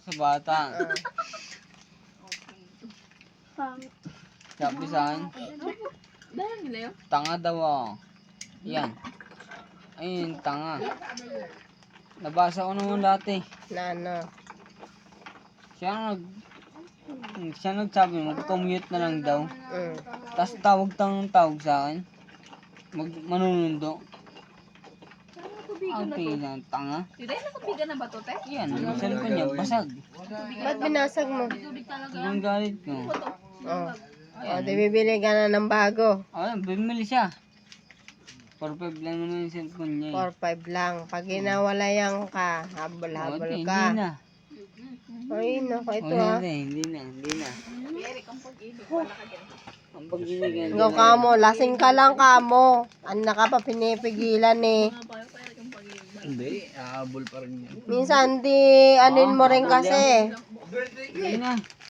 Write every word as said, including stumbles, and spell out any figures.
sa bata. Pang. Sabi sa akin, Dahil nila yun? tanga daw ako. Yan. Ayun, tanga. Nabasa ko naman dati. Na ano? Siya nag... Siya nagsabi, mag-commute na lang daw. Mm. Tapos tawag tang tawag sa akin. Mag manunundo. Ang tingin tanga. Hindi, nakabigan na ba to, te? Yan, yung cellphone niya, basag. Ba't binasag mo? Tubig talaga. Ang galit ko. Oh. Oh, di bibili ka na ng bago. Ayun, bumili siya. four five lang naman yung cellphone niya. four five lang. Pag ginawalayan ka, eh. habol-habol Hindi ka. na. Ay, naku, ito Wala ha. na, hindi na, hindi na. Eric, ang pag-ibig. Wala ka dyan. Ang pag-ibig. Ikaw kamo, lasing ka lang kamo. Ano na ka pa pinipigilan eh. Mga payo pa Eric, ang pag-ibig. Hindi, ahabol pa rin yan. Minsan di anin mo rin kasi. Hindi na.